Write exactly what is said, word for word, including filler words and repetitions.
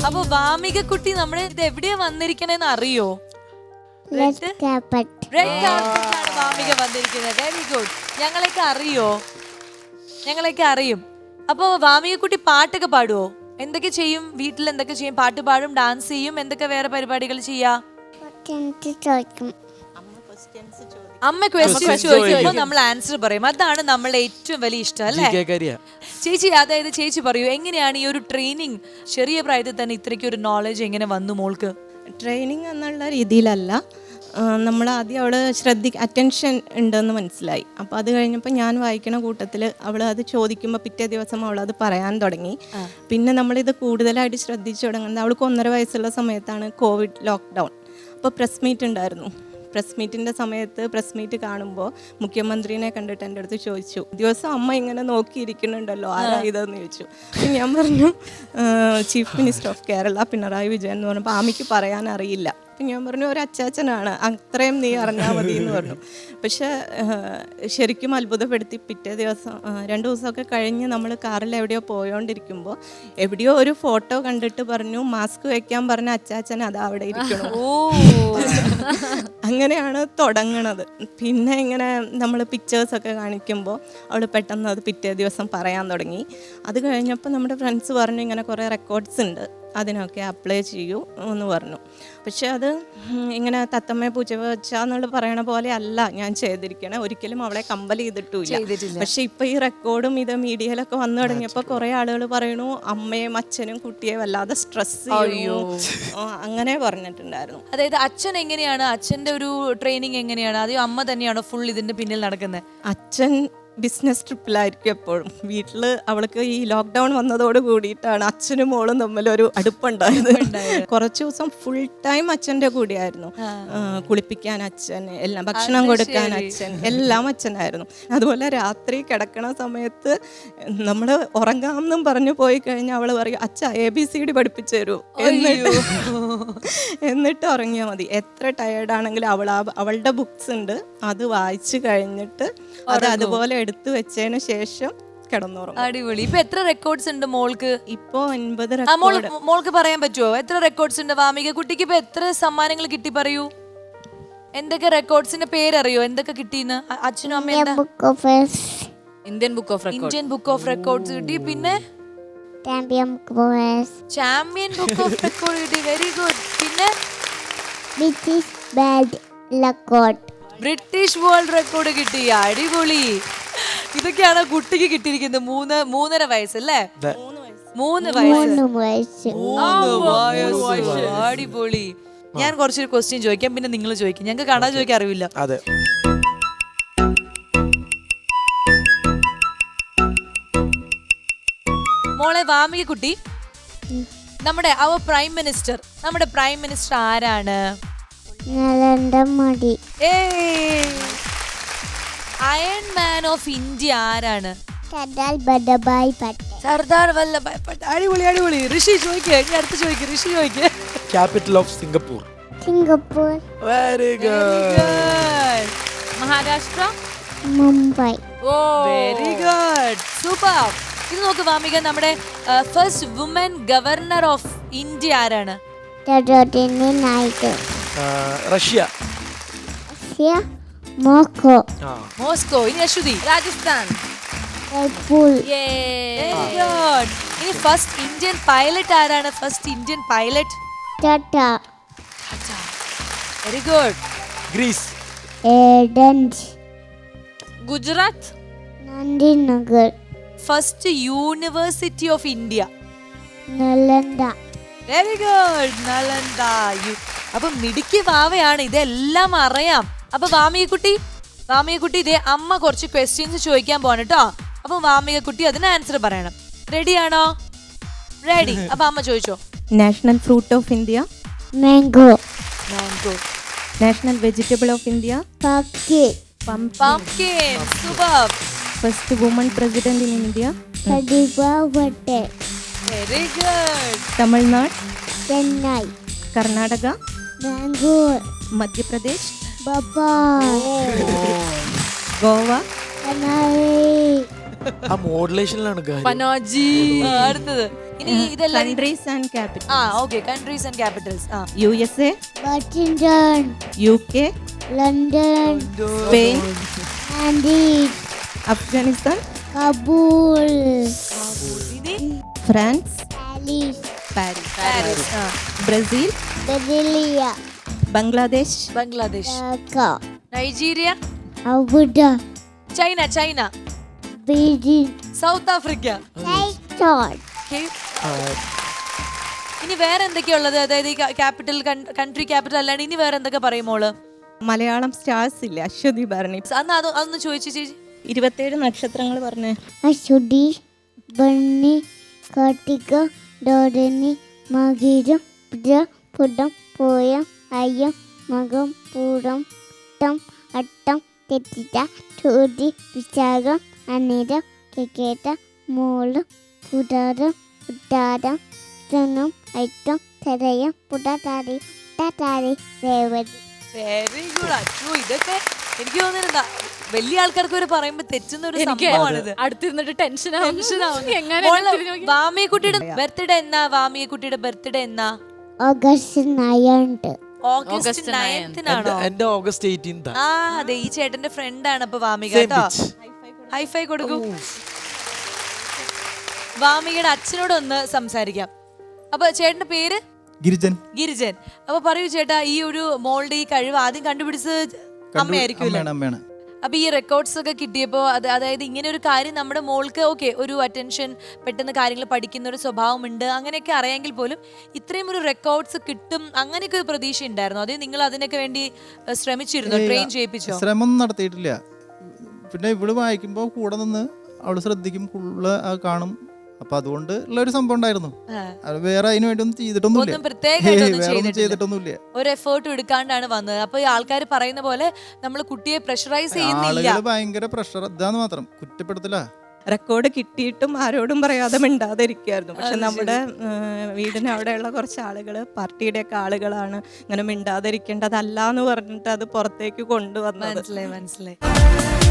അപ്പൊ വാമിക കുട്ടി നമ്മുടെ ഇത് എവിടെയാ വന്നിരിക്കണേന്ന് അറിയോ? Red carpet. റെഡ് കാർപ്പറ്റിലാണ് വാമിക വന്നിരിക്കുന്നത്. Very good. ഞങ്ങളൊക്കെ അറിയോ? ഞങ്ങളൊക്കെ അറിയും. അപ്പൊ വാമിക കുട്ടി പാട്ടൊക്കെ പാടുവോ? എന്തൊക്കെ ചെയ്യും വീട്ടിൽ? എന്തൊക്കെ ചെയ്യും? പാട്ട് പാടും, ഡാൻസ് ചെയ്യും, എന്തൊക്കെ വേറെ പരിപാടികൾ ചെയ്യാ? ചോദിക്കും. അമ്മ ക്വസ്റ്റ്യൻ ചോദിക്കുമ്പോൾ നമ്മൾ ആൻസർ പറയും. അതാണ് നമ്മളെ ഏറ്റവും വലിയ ഇഷ്ടം അല്ലേ ചേച്ചി? അതായത് ചേച്ചി പറയൂ, എങ്ങനെയാണ് ഈ ഒരു ട്രെയിനിങ് ചെറിയ പ്രായത്തിൽ തന്നെ ഇത്രയ്ക്ക് ഒരു നോളജ് എങ്ങനെ വന്നു മോൾക്ക്? ട്രെയിനിങ് എന്നുള്ള രീതിയിലല്ല, നമ്മൾ ആദ്യം അവൾ ശ്രദ്ധി അറ്റൻഷൻ ഉണ്ടെന്ന് മനസ്സിലായി. അപ്പോൾ അത് കഴിഞ്ഞപ്പോൾ ഞാൻ വായിക്കണ കൂട്ടത്തിൽ അവൾ അത് ചോദിക്കുമ്പോൾ പിറ്റേ ദിവസം അവൾ അത് പറയാൻ തുടങ്ങി. പിന്നെ നമ്മളിത് കൂടുതലായിട്ട് ശ്രദ്ധിച്ചു തുടങ്ങുന്നത് അവൾക്ക് ഒന്നര വയസ്സുള്ള സമയത്താണ് കോവിഡ് ലോക്ക്ഡൗൺ. അപ്പോൾ പ്രസ് മീറ്റ് ഉണ്ടായിരുന്നു. പ്രസ് മീറ്റിൻ്റെ സമയത്ത് പ്രസ് മീറ്റ് കാണുമ്പോൾ മുഖ്യമന്ത്രിനെ കണ്ടിട്ട് എൻ്റെ അടുത്ത് ചോദിച്ചു, ദിവസം അമ്മ ഇങ്ങനെ നോക്കിയിരിക്കുന്നുണ്ടല്ലോ, ആരാ ഇതെന്ന് ചോദിച്ചു. ഞാൻ പറഞ്ഞു chief minister of Kerala Pinarayi Vijayan എന്ന് പറഞ്ഞപ്പോൾ ആമിക്ക് പറയാൻ അറിയില്ല. അപ്പം ഞാൻ പറഞ്ഞു ഒരു അച്ചാച്ചനാണ്, അത്രയും നീ അറിഞ്ഞാൽ മതി എന്ന് പറഞ്ഞു. പക്ഷേ ശരിക്കും അത്ഭുതപ്പെടുത്തി. പിറ്റേ ദിവസം രണ്ട് ദിവസമൊക്കെ കഴിഞ്ഞ് നമ്മൾ കാറിൽ എവിടെയോ പോയോണ്ടിരിക്കുമ്പോൾ എവിടെയോ ഒരു ഫോട്ടോ കണ്ടിട്ട് പറഞ്ഞു മാസ്ക് വെക്കാൻ പറഞ്ഞ അച്ചാച്ചൻ അതാ അവിടെ ഇരിക്കണം. അങ്ങനെയാണ് തുടങ്ങണത്. പിന്നെ ഇങ്ങനെ നമ്മൾ പിക്ചേഴ്സൊക്കെ കാണിക്കുമ്പോൾ അവൾ പെട്ടെന്ന് അത് പിറ്റേ ദിവസം പറയാൻ തുടങ്ങി. അത് കഴിഞ്ഞപ്പോൾ നമ്മുടെ ഫ്രണ്ട്സ് പറഞ്ഞു ഇങ്ങനെ കുറേ റെക്കോർഡ്സ് ഉണ്ട്, അതിനൊക്കെ അപ്ലൈ ചെയ്യൂ എന്ന് പറഞ്ഞു. പക്ഷെ അത് ഇങ്ങനെ തത്തമ്മ പൂച്ച വെച്ചാന്നുള്ള പറയണ പോലെ അല്ല ഞാൻ ചെയ്തിരിക്കണേ. ഒരിക്കലും അവളെ കമ്പൽ ചെയ്തിട്ടില്ല. പക്ഷെ ഇപ്പം ഈ റെക്കോർഡും ഇത് മീഡിയയിലൊക്കെ വന്നു തുടങ്ങിയപ്പോൾ കുറേ ആളുകൾ പറയണു അമ്മയും അച്ഛനും കുട്ടിയെ വല്ലാതെ സ്ട്രെസ് ചെയ്യൂ, അങ്ങനെ പറഞ്ഞിട്ടുണ്ടായിരുന്നു. അതായത് അച്ഛൻ എങ്ങനെയാണ്, അച്ഛൻ്റെ ഒരു ട്രെയിനിങ് എങ്ങനെയാണ്? അതോ അമ്മ തന്നെയാണോ ഫുൾ ഇതിന്റെ പിന്നിൽ നടക്കുന്നത്? അച്ഛൻ ബിസിനസ് ട്രിപ്പിലായിരിക്കും എപ്പോഴും. വീട്ടിൽ അവൾക്ക് ഈ ലോക്ക്ഡൗൺ വന്നതോട് കൂടിയിട്ടാണ് അച്ഛനും മോളും തമ്മിലൊരു അടുപ്പുണ്ടായത്. കുറച്ച് ദിവസം ഫുൾ ടൈം അച്ഛൻ്റെ കൂടെയായിരുന്നു. കുളിപ്പിക്കാൻ അച്ഛൻ, എല്ലാം ഭക്ഷണം കൊടുക്കാൻ അച്ഛൻ, എല്ലാം അച്ഛനായിരുന്നു. അതുപോലെ രാത്രി കിടക്കണ സമയത്ത് നമ്മൾ ഉറങ്ങാമെന്നും പറഞ്ഞു പോയി കഴിഞ്ഞാൽ അവൾ പറയും അച്ഛ എ ബി സി ഡി പഠിപ്പിച്ചു തരൂ എന്നിട്ട് എന്നിട്ട് ഉറങ്ങിയാൽ മതി. എത്ര ടയേർഡാണെങ്കിലും അവൾ അവളുടെ ബുക്സ് ഉണ്ട്, അത് വായിച്ചു കഴിഞ്ഞിട്ട് അത് അതുപോലെ എടുത്തു വെച്ചതിന് ശേഷം കിടന്നുറങ്ങും. അടിപൊളി. ഇപ്പൊ എത്ര റെക്കോർഡ്സ് ഉണ്ട് മോൾക്ക്? ഇപ്പൊ ഒൻപത്. മോൾക്ക് പറയാൻ പറ്റുമോ എത്ര റെക്കോർഡ്സ് ഉണ്ട്? വാമിക കുട്ടിക്ക് ഇപ്പൊ എത്ര സമ്മാനങ്ങൾ കിട്ടി പറയൂ? എന്തൊക്കെ റെക്കോർഡ്സിന്റെ പേരറിയോ? എന്തൊക്കെ കിട്ടിന്ന്? അച്ഛനും അമ്മയും Indian book of Indian book of records കിട്ടി. പിന്നെ champion book champion book of record കിട്ടി. Very good. പിന്നെ British world record British world record കിട്ടി. അടിപൊളി. ഇതൊക്കെയാണ് കുട്ടിക്ക് കിട്ടിയിരിക്കുന്നത്. മൂന്ന് മൂന്നര വയസ്സല്ലേ? മൂന്ന് വയസ്സ്. അടിപൊളി. ഞാൻ കുറച്ചൊരു ക്വസ്റ്റ്യൻ ചോദിക്കാം, പിന്നെ നിങ്ങൾ ചോദിക്കും. ഞങ്ങൾക്ക് കാണാൻ ചോദിക്കാൻ അറിവില്ല. മോളെ വാമിക കുട്ടി, നമ്മുടെ അവർ പ്രൈം മിനിസ്റ്റർ നമ്മുടെ പ്രൈം മിനിസ്റ്റർ ആരാണ്? Narendra Modi. Iron man of India ആരാണ്? സർദാർ വല്ലഭായ് പട്ടേൽ. സർദാർ വല്ലഭായ് പട്ടേൽ. അടിപൊളി അടിപൊളി. ഋഷി ചോദിക്കുക, ഇനി അടുത്ത് ചോദിക്കുക. ഋഷി ചോദിക്കുക. Capital of Singapore. Singapore. Very good. Maharashtra. Mumbai. ഓ വെരി ഗുഡ്, സൂപ്പർ. ഇത് നോക്ക് വാമിക, നമ്മുടെ first woman governor of India ആരാണ്? Sarojini Naidu. Russia. Russia. Moscow. Moscow. ഇനി അശ്വതി. രാജസ്ഥാൻ. ജയ്പൂർ. Very good. ഇനി ഫസ്റ്റ് ഇന്ത്യൻ പൈലറ്റ് ആരാണ്? First Indian pilot? Tata. Very good. Greece. Athens. Gujarat. Gandhinagar. First university of India? Nalanda. Very good, Nalanda. അപ്പൊ മിടുക്കി വാവയാണ്, ഇതെല്ലാം അറിയാം. അപ്പൊ വാമികക്കുട്ടി വാമികക്കുട്ടി ഇതേ അമ്മ കുറച്ച് ക്വസ്റ്റ്യൻസ് ചോദിക്കാൻ പോവാണ് കേട്ടോ. അപ്പൊ വാമികക്കുട്ടി അതിന് ആൻസർ പറയണം. റെഡിയാണോ? റെഡി. അപ്പൊ അമ്മ ചോദിച്ചോ. National fruit of India? Mango. Mango. National vegetable of India? Pumpkin. Pumpkin. Super. First woman president in India? Pratibha Patel. Very good. Tamil Nadu? Chennai. Karnataka? Bangalore. Madhya Pradesh? Bhopal. Goa? Panaji. ആ മോഡുലേഷനിലാണ് പനാജി. അടുത്തത് ഇനി ഇതെല്ലാം കൺട്രീസ് ആൻഡ് ക്യാപിറ്റൽ. ആ ഓക്കെ, കൺട്രീസ് ആൻഡ് ക്യാപിറ്റൽസ്. ആ U S A, Washington, U K, London, Spain, Paris, Afghanistan, Kabul, ഇനി France, Paris, Paris, Paris, ആ Brazil, Brasilia, Bangladesh, Bangladesh, Dhaka, Nigeria, Abuja, China China, Beijing, South Africa. ടൈറ്റോൺ, Okay. ഇനി വേറെ എന്തൊക്കെയുള്ളത്? അതായത് ക്യാപിറ്റൽ, കൺട്രി ക്യാപിറ്റൽ അല്ലാണ്ട് ഇനി വേറെ എന്തൊക്കെ പറയുമോള്? മലയാളം സ്റ്റാർസ് ഇല്ല, അശ്വതി ഭരണി. അന്ന് അത് അതൊന്ന് ചോദിച്ചു ചേച്ചി. ഇരുപത്തേഴ് നക്ഷത്രങ്ങൾ പറഞ്ഞേ. അശ്വതി, ബണ്ണി, കാർത്തിക, രോഹിണി, മകരം, പുജ, പുടം, പൂയം, അയ്യം, മകം, പൂരം, അട്ടം, അട്ടം, തെറ്റിച്ച, ചോതി, വിശാഖം, അനിരം, കേക്കേട്ട, മൂലം, പുതാരം, ഉത്താരം, ധനം, ഐറ്റം, തെരയം, പുടതാരി, ഉട്ടാതാരി, രേവതി. Very good. അച്ഛോ, ഇതൊക്കെ എനിക്ക് തോന്നുന്നത് വലിയ ആൾക്കാർക്ക് വരെ പറയുമ്പോ തെറ്റുന്ന ഒരു എനിക്ക് സംഭവമാണിത്. അടുത്തിരുന്നിട്ട് ടെൻഷൻ വാമിയക്കുട്ടിയുടെ ബർത്ത്ഡേ എന്നാ? വാമിയക്കുട്ടിയുടെ ബർത്ത്ഡേ എന്നാ? August ninth. ഓഗസ്റ്റ് നയൻത്തിനാണോ? എന്റെ ഓഗസ്റ്റ് എയ്റ്റീൻത്. ആ അതെ, ഈ ചേട്ടന്റെ ഫ്രണ്ട് ആണ് അപ്പൊ വാമിക കേട്ടോ. ഹൈഫൈ കൊടുക്കൂ. വാമികയുടെ അച്ഛനോടൊന്ന് സംസാരിക്കാം. അപ്പൊ ചേട്ടന്റെ പേര്? ഗിരിജൻ. ഗിരിജൻ. അപ്പൊ പറയൂ ചേട്ടാ, ഈ ഒരു മോളുടെ ഈ കഴിവ് ആദ്യം കണ്ടുപിടിച്ചത് അമ്മയായിരിക്കുമല്ലോ. അമ്മയാണ്. അപ്പൊ ഈ റെക്കോർഡ്സ് ഒക്കെ കിട്ടിയപ്പോ അത് അതായത് ഇങ്ങനെ ഒരു കാര്യം നമ്മുടെ മോൾക്ക് ഓക്കെ ഒരു അറ്റൻഷൻ, പെട്ടെന്ന് കാര്യങ്ങൾ പഠിക്കുന്ന ഒരു സ്വഭാവമുണ്ട്, അങ്ങനെയൊക്കെ അറിയാമെങ്കിൽ പോലും ഇത്രയും ഒരു റെക്കോർഡ്സ് കിട്ടും അങ്ങനെയൊക്കെ ഒരു പ്രതീക്ഷ ഉണ്ടായിരുന്നു? അതേ നിങ്ങൾ അതിനൊക്കെ വേണ്ടി ശ്രമിച്ചിരുന്നോ? ട്രെയിൻ ചെയ്യിപ്പിച്ചോ? ശ്രമം നടത്തിയിട്ടില്ല. പിന്നെ ഇവള് വായിക്കുമ്പോ കൂടെ നിന്ന് അവള് ശ്രദ്ധിക്കും, ഫുള്ള് കാണും. അപ്പൊ അതുകൊണ്ട് ഉള്ള ഒരു സംഭവം ഉണ്ടായിരുന്നു. വേറെ അതിനു വേണ്ടി ഒന്നും ചെയ്തിട്ടൊന്നുമില്ല. ഒന്നും പ്രത്യേകമായിട്ടൊന്നും ചെയ്തിട്ടൊന്നുമില്ല. ഒരു എഫേർട്ടും എടുക്കാണ്ടാണ് വന്നത്. അപ്പൊ ഈ ആൾക്കാർ പറയുന്ന പോലെ നമ്മൾ കുട്ടിയെ പ്രഷറൈസ് ചെയ്യുന്നില്ല. ആളുകൾ ഭയങ്കര പ്രഷർ, ഇതാന്ന് മാത്രം, കുറ്റപ്പെടുത്തില്ല. റെക്കോർഡ് കിട്ടിയിട്ടും ആരോടും പറയാതെ മിണ്ടാതിരിക്കുകയായിരുന്നു. പക്ഷെ നമ്മുടെ വീടിന് അവിടെയുള്ള കുറച്ച് ആളുകൾ, പാർട്ടിയുടെ ഒക്കെ ആളുകളാണ് ഇങ്ങനെ മിണ്ടാതിരിക്കേണ്ടതല്ല എന്ന് പറഞ്ഞിട്ട് അത് പുറത്തേക്ക് കൊണ്ടുവന്നത്. മനസ്സിലായി മനസ്സിലായി.